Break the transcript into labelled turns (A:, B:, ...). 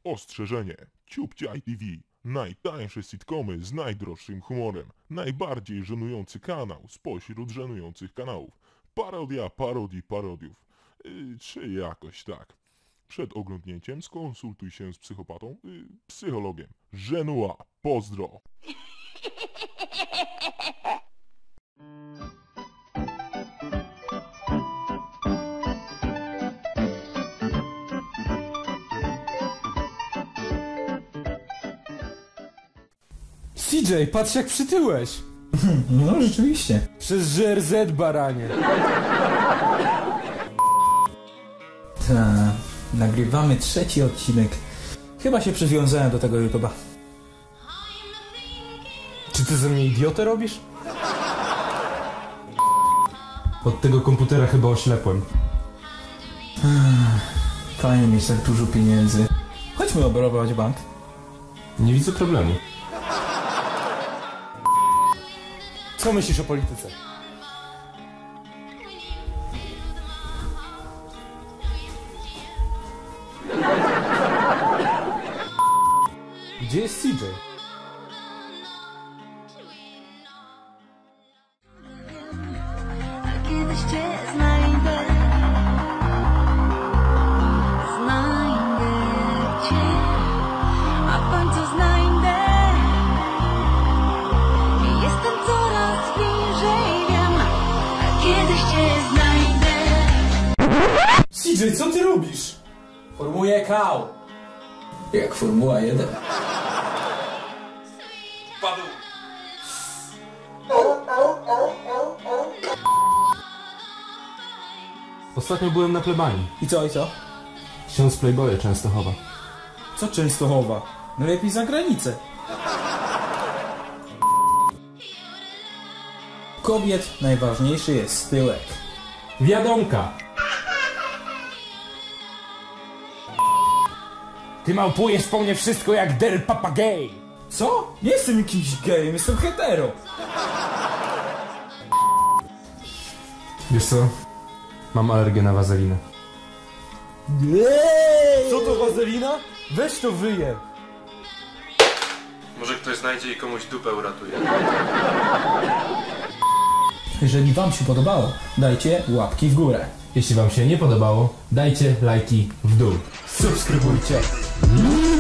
A: Ostrzeżenie. Ciupcia ITV. Najtańsze sitcomy z najdroższym humorem. Najbardziej żenujący kanał spośród żenujących kanałów. Parodia parodii parodiów. Czy jakoś tak. Przed oglądnięciem skonsultuj się z psychopatą, psychologiem. Żenua. Pozdro.
B: CJ, patrz jak przytyłeś!
C: No rzeczywiście.
B: Przez GRZ, baranie.
C: Nagrywamy 3. odcinek. Chyba się przywiązałem do tego YouTube'a.
B: Czy ty ze mnie idiotę robisz? Od tego komputera chyba oślepłem.
C: Fajnie mieć tak dużo pieniędzy. Chodźmy obrabować bank.
B: Nie widzę problemu. Co myślisz o polityce? Gdzie jest CJ?
D: Kiedyś cię znajdę, cię, a w końcu znajdę. Jestem coraz bliżej, wiem, a kiedyś cię znajdę.
B: CJ, co ty robisz?
C: Formuję kał. Jak Formuła 1.
B: Padł. Ostatnio byłem na plebanii.
C: I co?
B: Ksiądz Playboya Częstochowa.
C: Co Częstochowa? No lepiej za granicę. Kobiet najważniejszy jest tyłek.
B: Wiadomka! Ty małpujesz po mnie wszystko jak del papagej!
C: Co? Nie jestem jakimś gejem, jestem hetero.
B: Wiesz co? Mam alergię na wazelinę. Co to wazelina? Weź to wyje!
E: Może ktoś znajdzie i komuś dupę uratuje.
C: Jeżeli wam się podobało, dajcie łapki w górę.
B: Jeśli wam się nie podobało, dajcie lajki w dół.
C: Subskrybujcie.